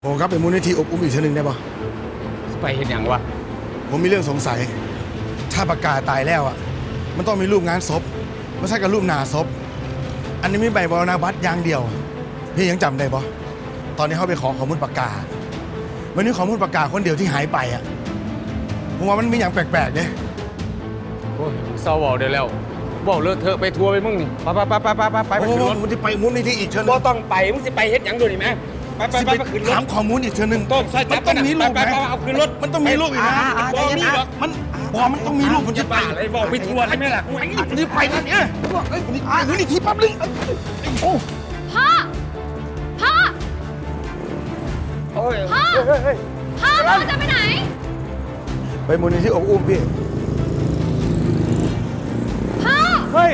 ผมครับเป็นมูลนิธิอบอุ้มอีกทีหนึ่งได้ปะไปเห็นอย่างวะผมมีเรื่องสงสัยถ้าปากกาตายแล้วอ่ะมันต้องมีรูปงานศพไม่ใช่กับรูปหน้าศพอันนี้มีใบมรณบัตรอย่างเดียวพี่ยังจำได้ปะตอนนี้เขาไปขอข้อมูลปากกาวันนี้ข้อมูลปากกาคนเดียวที่หายไปอ่ะผมว่ามันมีอย่างแปลกๆเนี่ยโอ้ยเศร้าบอกได้แล้วบอกเลิกเธอไปทัวร์ไปมึงนี่ไปโอ้โหผมจะไปมูลนิธิอีกเชิญนึบ่งต้องไปมึงสิไปเฮ็ดหยังดูนี่แม่ไปขึ้นรถถามข้อมูลอีกเชิญนึงต้องใส่จับมันต้องมีรูปไปไหมเอาขึ้นรถมันต้องมีรูปอีกนะบ่มีหรอกมันต้องมีรูปผมจะไปบ้าอะไรบอกไปทัวร์ได้ไหมล่ะนี่ไปนะเนี่ยมูลนิธิปั๊บเลยโอ้พ่อ พ่อโอ้ยพ่อ พ่อจะไปไหนไปมูลนิธิอบอุ้มพี่พ่อเฮ้ย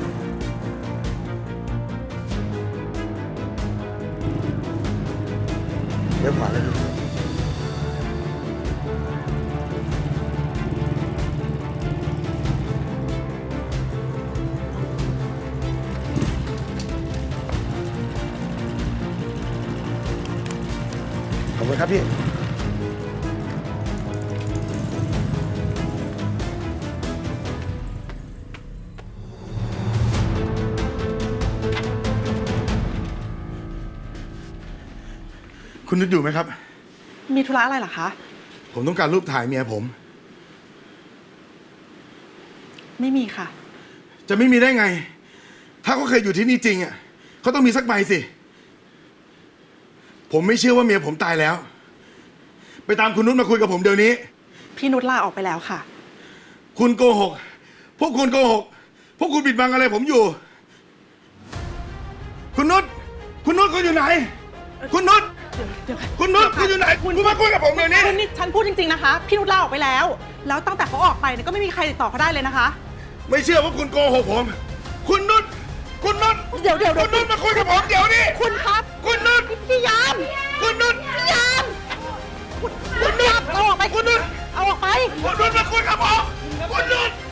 เดี๋ยวขวาเลยขอบคุณครับพี่คุณนึกอยู่ไหมครับมีธุระอะไรเหรอคะผมต้องการรูปถ่ายเมียผมไม่มีค่ะจะไม่มีได้ไง ถ้าเขาเคยอยู่ที่นี่จริงอ่ะเขาต้องมีสักใบสิ ผมไม่เชื่อว่าเมียผมตายแล้ว ไปตามคุณนุชมาคุยกับผมเดี๋ยวนี้พี่นุชลาออกไปแล้วค่ะคุณโกหก พวกคุณโกหก พวกคุณปิดบังอะไรผมอยู่ คุณนุชคุณนุชคุณอยู่ไหน คุณนุชเดี๋ยวค่ะคุณนุชคุณอยู่ไหน คุณมาคุยกับผมเดี๋ยวนี้คุณนี่ฉันพูดจริงๆนะคะ พี่นุชลาออกไปแล้ว แล้วตั้งแต่เขาออกไปเนี่ยก็ไม่มีใครติดต่อเขาได้เลยนะคะไม่เชื่อว่าคุณโกหกผม คุณนุชคุณนุชเดี๋ยวคุณนุชมาคุยกับผมเดี๋ยวนี้คุณครับคุณนุชพี่ยามคุณนุชพี่ยามคุณคุณนุชเอาออกไปคุณนุชเอาออกไปคุณนุชมาคุยกับผมคุณนุช